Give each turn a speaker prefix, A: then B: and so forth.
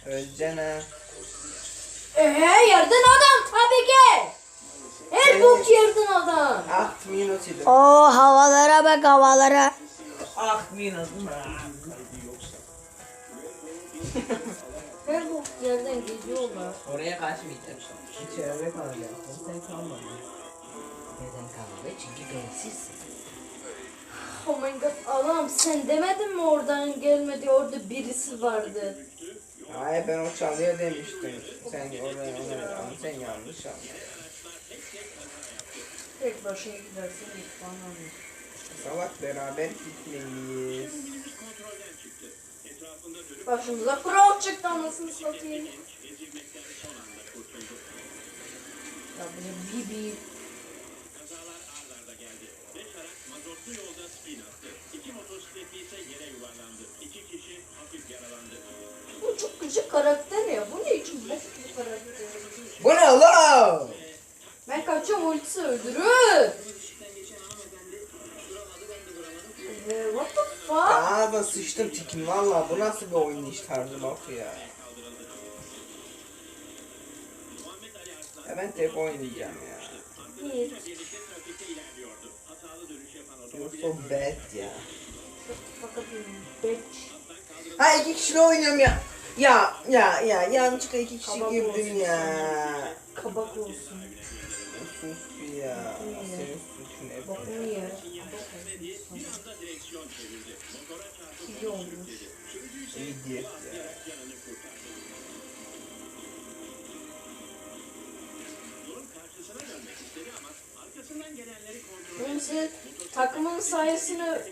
A: Öleceksin ha.
B: Yerden adam tabii ki. Her bok yerden adam.
A: 8 minut idi.
C: O havalara bak havalara.
A: 8 minut.
B: Her bok yerden geziyorlar.
A: Oraya kaçmayacaksın. İçeride kalacaksın. Sen kalmadın. Neden kalmadın? Çünkü bensizsin.
B: Oh my god adam sen demedin mi oradan gelmedi orada birisi vardı.
A: Hayır ben o çalıyor demiştim. Sen oraya ama sen yanlış anladın.
B: Tek başına gidersin ilk bana.
A: Salak beraber gitmeliyiz.
B: Başımıza kural çıktı anasını satayım. Ya bu ne bibi. Bu çok küçük karakter ya. Bu ne için bok gibi karakter?
A: Bu ne oğlum?
B: Ben kaçıyorum ultisi öldürür. What the fuck?
A: Aa da sıçtım tikim valla bu nasıl bir oynayış tarzı bak ya. Ya ben tek oynayacağım ya.
B: Hiç.
A: You're so bad ya.
B: Fakat bitch.
A: Ha 2 kişiyle oynuyorum ya. Ya yanlışlıkla 2 kişi
B: Kabak
A: girdim
B: olsun.
A: ya.
B: Kabak olsun.
A: Sus ya. Senin suçun hep.
B: Bak ne yer? İyi olmuş.
A: İdiot ya.
B: Neyse takımın sayesinde